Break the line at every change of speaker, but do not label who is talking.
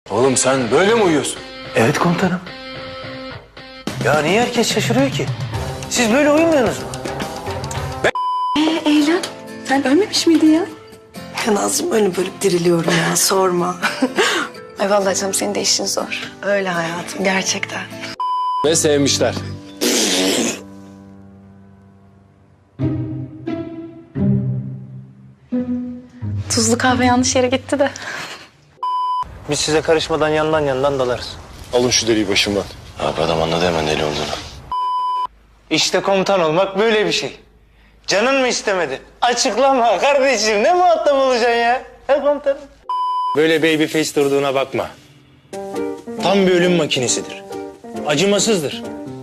Oğlum sen böyle mi uyuyorsun?
Evet komutanım. Ya niye herkes şaşırıyor ki? Siz böyle uyumuyorsunuz mu?
Eylem, sen ölmemiş miydin ya?
Ya Nazım ölüp ölüp diriliyorum ya sorma.
Ay vallahi canım senin de işin zor.
Öyle hayatım gerçekten.
Ve sevmişler.
Tuzlu kahve yanlış yere gitti de.
Biz size karışmadan yandan dalarız.
Alın şu deliği başımdan.
Abi adam anladı hemen deli olduğunu.
İşte komutan olmak böyle bir şey. Canın mı istemedi? Açıklama kardeşim. Ne muhatap olacaksın ya? He komutanım? Böyle baby face durduğuna bakma. Tam bir ölüm makinesidir. Acımasızdır.